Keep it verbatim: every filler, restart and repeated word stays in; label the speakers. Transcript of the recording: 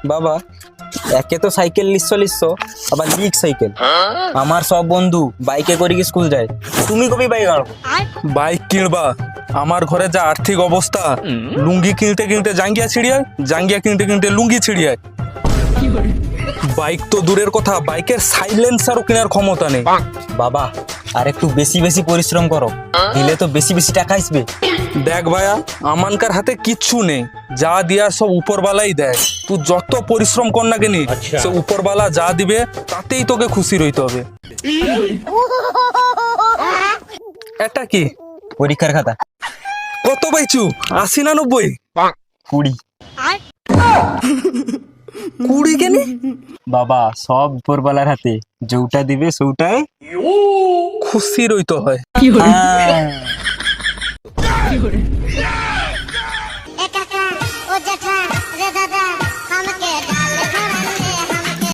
Speaker 1: বাবা একে তো সাইকেল লিচ্ছ লিচ্ছ আবার লিক সাইকেল। আমার সব বন্ধু বাইকে করে কি স্কুল যায়, তুমি কবি বাইক আনো?
Speaker 2: বাইক কিনবা? আমার ঘরে যা আর্থিক অবস্থা, লুঙ্গি কিনতে কিনতে জাঙ্গিয়া ছিড়িয়ায়, জাঙ্গিয়া কিনতে কিনতে লুঙ্গি ছিড়িয়ায়। বাইক তো দূরের কথা, বাইকের সাইলেন্সারও কেনার ক্ষমতা নেই।
Speaker 1: বাবা আর একটু বেশি বেশি পরিশ্রম করো, দিলে তো বেশি বেশি টাকা আসবে।
Speaker 2: দেখ ভাইয়া, আমানকার হাতে কিচ্ছু নেই, যা দিয়ার সব উপরবালাই দেয়। তুই যত পরিশ্রম কর না কেনি, সে উপরবালা যা দিবে তাতেই তোকে খুশি রইতে হবে। এটা কি?
Speaker 1: পরীক্ষার খাতা।
Speaker 2: কত পাইছু? আশি না নব্বই?
Speaker 1: কুড়ি।
Speaker 2: কুড়ি কেনি?
Speaker 1: বাবা সব উপরবালার হাতে, যেটা দিবে সেটাই
Speaker 2: খুশি রইতে হয়।
Speaker 3: এ কাকা ও জ্যাঠা রে দাদা